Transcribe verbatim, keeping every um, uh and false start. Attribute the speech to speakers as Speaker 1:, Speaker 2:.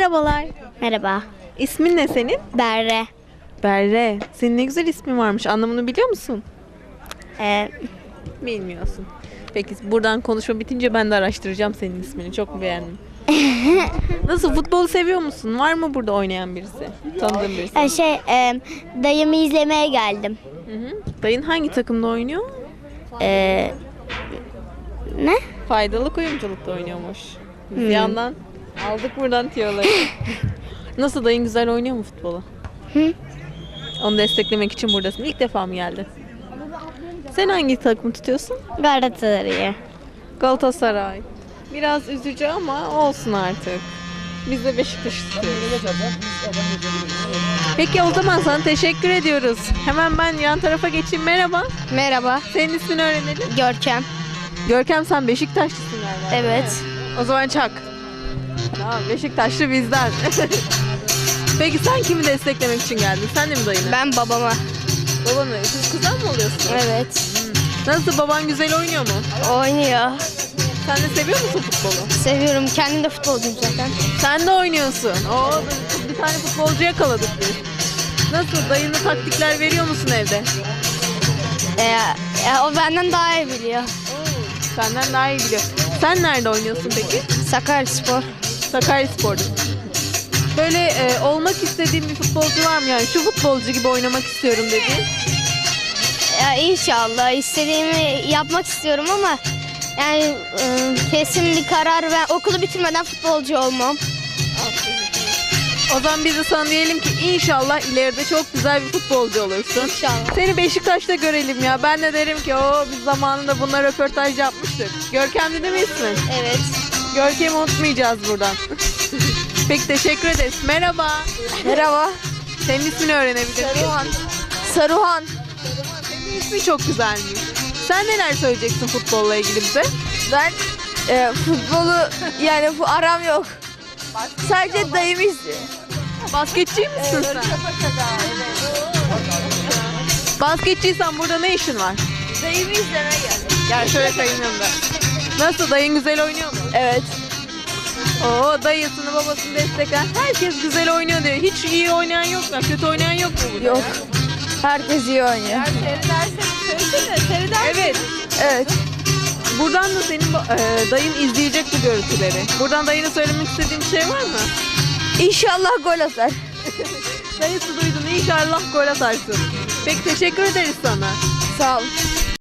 Speaker 1: Merhabalar.
Speaker 2: Merhaba.
Speaker 1: İsmin ne senin?
Speaker 2: Berre.
Speaker 1: Berre. Senin ne güzel ismin varmış. Anlamını biliyor musun?
Speaker 2: Ee,
Speaker 1: Bilmiyorsun. Peki buradan konuşma bitince ben de araştıracağım senin ismini. Çok beğendim. Nasıl, futbolu seviyor musun? Var mı burada oynayan birisi? Tanıdığın birisi?
Speaker 2: e, şey, e, dayımı izlemeye geldim.
Speaker 1: Hı hı. Dayın hangi takımda oynuyor?
Speaker 2: Ee, ne?
Speaker 1: Faydalı kuyumculukta oynuyormuş. Biz
Speaker 2: Hmm.
Speaker 1: bir yandan aldık buradan tiyoları. Nasıl, dayın güzel oynuyor mu futbolu?
Speaker 2: Hı?
Speaker 1: Onu desteklemek için buradasın. İlk defa mı geldin? Sen hangi takımı tutuyorsun?
Speaker 2: Galatasaray'ı.
Speaker 1: Galatasaray. Biraz üzücü ama olsun artık. Biz de Beşiktaş'ı tutuyoruz. Peki o zaman sana teşekkür ediyoruz. Hemen ben yan tarafa geçeyim. Merhaba.
Speaker 2: Merhaba.
Speaker 1: Senin ismini öğrenelim.
Speaker 2: Görkem.
Speaker 1: Görkem, sen Beşiktaşlısın galiba.
Speaker 2: Evet.
Speaker 1: O zaman çak. Tamam, Beşiktaşlı bizden. Peki sen kimi desteklemek için geldin? Sen de mi dayını?
Speaker 2: Ben babama.
Speaker 1: Babanı. Siz kuzen mi oluyorsunuz?
Speaker 2: Evet.
Speaker 1: Nasıl, baban güzel oynuyor mu?
Speaker 2: Oynuyor.
Speaker 1: Sen de seviyor musun futbolu?
Speaker 2: Seviyorum. Kendim de futbolcuyum zaten.
Speaker 1: Sen de oynuyorsun. Oo, bir tane futbolcu yakaladık biz. Nasıl, dayına taktikler veriyor musun evde?
Speaker 2: Ee, e, o benden daha iyi biliyor.
Speaker 1: Senden daha iyi biliyor. Sen nerede oynuyorsun peki?
Speaker 2: Sakaryaspor.
Speaker 1: Sakaryaspor'da. Böyle e, olmak istediğin bir futbolcu var mı? Yani şu futbolcu gibi oynamak istiyorum dediğin.
Speaker 2: Ya inşallah istediğimi yapmak istiyorum ama yani e, kesin bir karar, ben okulu bitirmeden futbolcu olmam.
Speaker 1: O zaman biz de sana diyelim ki inşallah ileride çok güzel bir futbolcu olursun.
Speaker 2: İnşallah.
Speaker 1: Seni Beşiktaş'ta görelim ya. Ben de derim ki o biz zamanında bunlar röportaj yapmıştık. Görkem değil mi ismin?
Speaker 2: Evet.
Speaker 1: Görkem'i unutmayacağız buradan. Peki, teşekkür ederiz. Merhaba.
Speaker 2: Merhaba.
Speaker 1: Senin ismini öğrenebilir miyim?
Speaker 2: Saruhan. Saruhan.
Speaker 1: Senin ismi çok güzelmiş. Sen neler söyleyeceksin futbolla ilgili bize?
Speaker 3: Ben e, futbolu yani bu aram yok. Sadece dayımı izliyorum.
Speaker 1: Basketçi misin sen? Basketçiysen burada ne işin var?
Speaker 3: Dayımı izlemeye geldim.
Speaker 1: Gel şöyle kayın yanında. Nasıl, dayın güzel oynuyor mu?
Speaker 3: Evet.
Speaker 1: Oo, dayısını babasını destekler. Herkes güzel oynuyor diyor. Hiç iyi oynayan yok mu? Kötü oynayan yok mu burada?
Speaker 3: Yok. Herkes iyi oynuyor.
Speaker 1: Evet.
Speaker 3: Evet.
Speaker 1: Buradan da senin e, dayın izleyecek bu görüntüleri. Buradan dayına söylemek istediğin bir şey var mı?
Speaker 3: İnşallah gol atar.
Speaker 1: Dayısı duydun, inşallah gol atarsın. Peki, teşekkür ederiz sana.
Speaker 3: Sağ ol.